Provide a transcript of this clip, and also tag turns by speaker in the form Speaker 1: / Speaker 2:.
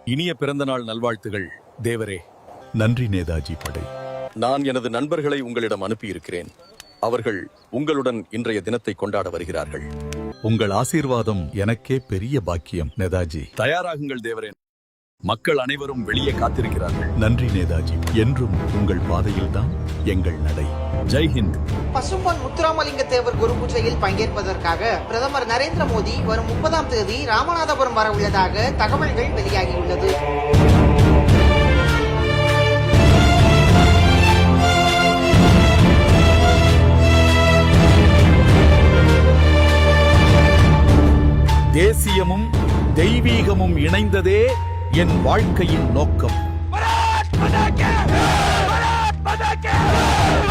Speaker 1: இனிய பிறந்தநாள் நல்வாழ்த்துகள் தேவரே.
Speaker 2: நன்றி நேதாஜி படை.
Speaker 1: நான் எனது நண்பர்களை உங்களிடம் அனுப்பியிருக்கிறேன். அவர்கள் உங்களுடன் இன்றைய தினத்தை கொண்டாட வருகிறார்கள்.
Speaker 2: உங்கள் ஆசீர்வாதம் எனக்கே பெரிய பாக்கியம் நேதாஜி.
Speaker 1: தயாராகுங்கள் தேவரே. மக்கள் அனைவரும் வெளியே காத்திருக்கிறார்கள்.
Speaker 2: நன்றி நேதாஜி. என்றும் உங்கள் பாதையில்தான் எங்கள் நடை.
Speaker 1: ஜெய்ஹிந்த்.
Speaker 3: பசும்பொன் முத்துராமலிங்க தேவர் குரு பூஜையில் பங்கேற்பதற்காக பிரதமர் நரேந்திர மோடி வரும் 30ஆம் தேதி ராமநாதபுரம் வர உள்ளதாக தகவல்கள் வெளியாகியுள்ளது.
Speaker 1: தேசியமும் தெய்வீகமும் இணைந்ததே என் வாழ்க்கையின் நோக்கம்.